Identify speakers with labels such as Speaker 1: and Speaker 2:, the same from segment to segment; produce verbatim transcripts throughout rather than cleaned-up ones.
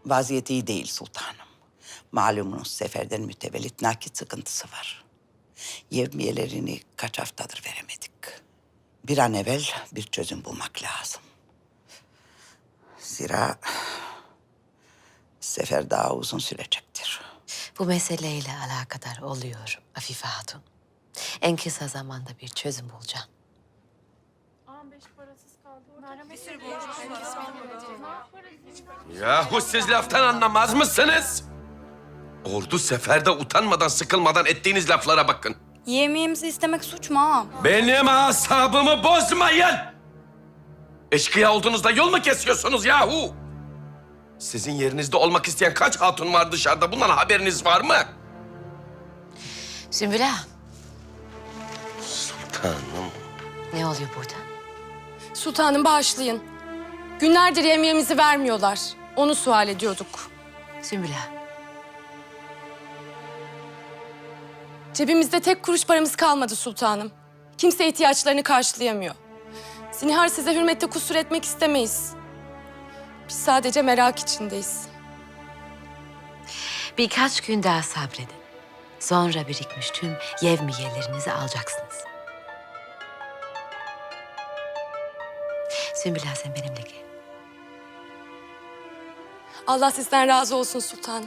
Speaker 1: Vaziyeti iyi değil sultanım. Malumunuz seferden mütevellit nakit sıkıntısı var. Yevmiyelerini kaç haftadır veremedik. Bir an evvel bir çözüm bulmak lazım. Zira sefer daha uzun sürecektir.
Speaker 2: Bu meseleyle alakadar oluyorum Afife Hatun. En kısa zamanda bir çözüm bulacağım.
Speaker 3: Yahu siz laftan anlamaz mısınız? Ordu seferde utanmadan sıkılmadan ettiğiniz laflara bakın.
Speaker 4: Yemeğimizi istemek suç mu ağam?
Speaker 3: Benim asabımı bozmayın! Eşkıya olduğunuzda yol mu kesiyorsunuz yahu? Sizin yerinizde olmak isteyen kaç hatun var dışarıda? Bundan haberiniz var mı?
Speaker 2: Sümbül Ağa,
Speaker 3: Sultanım.
Speaker 2: ne oluyor burada?
Speaker 5: Sultanım bağışlayın. Günlerdir yemeğimizi vermiyorlar. Onu sual ediyorduk.
Speaker 2: Sümbül Ağa,
Speaker 5: Cebimizde tek kuruş paramız kalmadı sultanım. Kimse ihtiyaçlarını karşılayamıyor. Zinhar size hürmette kusur etmek istemeyiz. Biz sadece merak içindeyiz.
Speaker 2: birkaç gün daha sabredin. Sonra birikmiş tüm yevmiyelerinizi alacaksınız. Sümbül Ağa, sen benimle gel.
Speaker 5: Allah sizden razı olsun sultanım.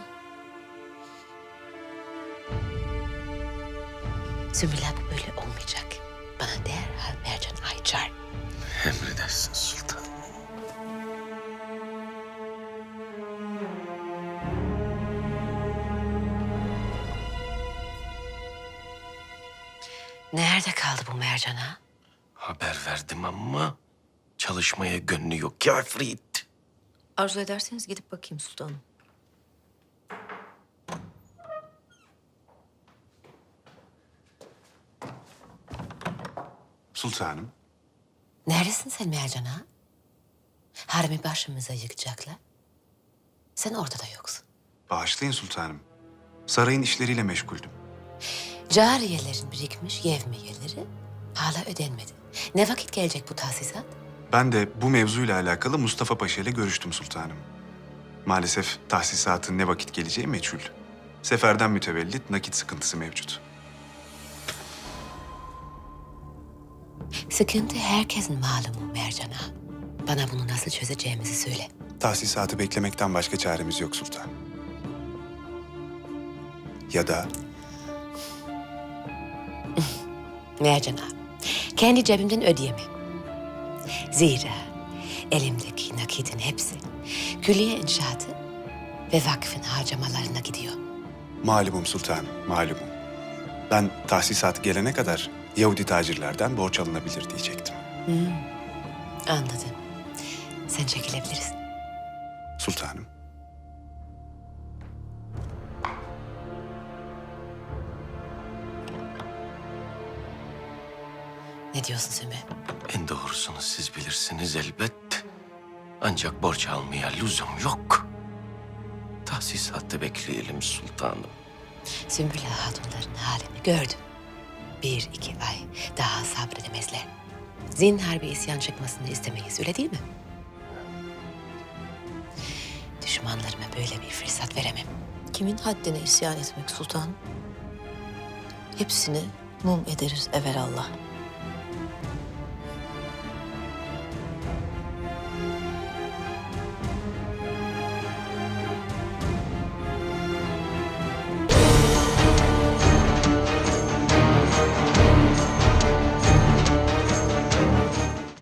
Speaker 2: Sümbül Ağa, bu böyle olmayacak. Bana derhal Mercan Ayçar.
Speaker 3: Emredersin sultanım.
Speaker 2: Nerede kaldı bu Mercan Ağa?
Speaker 3: Haber verdim ama çalışmaya gönlü yok ki Afrit.
Speaker 2: Arzu ederseniz gidip bakayım sultanım.
Speaker 6: Sultanım,
Speaker 2: Neredesin sen Mercan Ağa? Haremi başımıza yıkacaklar. Sen ortada yoksun.
Speaker 6: bağışlayın sultanım. Sarayın işleriyle meşguldüm.
Speaker 2: Cariyelerin birikmiş yevmiyeleri hala ödenmedi. Ne vakit gelecek bu tahsisat?
Speaker 6: Ben de bu mevzuyla alakalı Mustafa Paşa ile görüştüm sultanım. Maalesef tahsisatın ne vakit geleceği meçhul. Seferden mütevellit nakit sıkıntısı mevcut.
Speaker 2: Sıkıntı herkesin malumu Mercan Ağa. Bana bunu nasıl çözeceğimizi söyle.
Speaker 6: Tahsisatı beklemekten başka çaremiz yok sultanım. Ya da
Speaker 2: Mercan Ağa, kendi cebimden ödeyemem. Zira elimdeki nakitin hepsi külliye inşaatı ve vakfın harcamalarına gidiyor.
Speaker 6: malumum sultanım, malumum. Ben tahsisat gelene kadar Yahudi tacirlerden borç alınabilir diyecektim.
Speaker 2: Anladım. Sen çekilebilirsin.
Speaker 6: Sultanım.
Speaker 2: Ne diyorsun Sümbül?
Speaker 3: En doğrusunu siz bilirsiniz elbet. Ancak borç almaya lüzum yok. Tahsisatı bekleyelim sultanım.
Speaker 2: Sümbül Ağa hatunların halini gördüm. Bir iki ay daha sabredemezler. Zinhar bir isyan çıkmasını istemeyiz, öyle değil mi? Düşmanlarıma böyle bir fırsat veremem.
Speaker 7: Kimin haddine isyan etmek sultanım? Hepsini mum ederiz evelallah.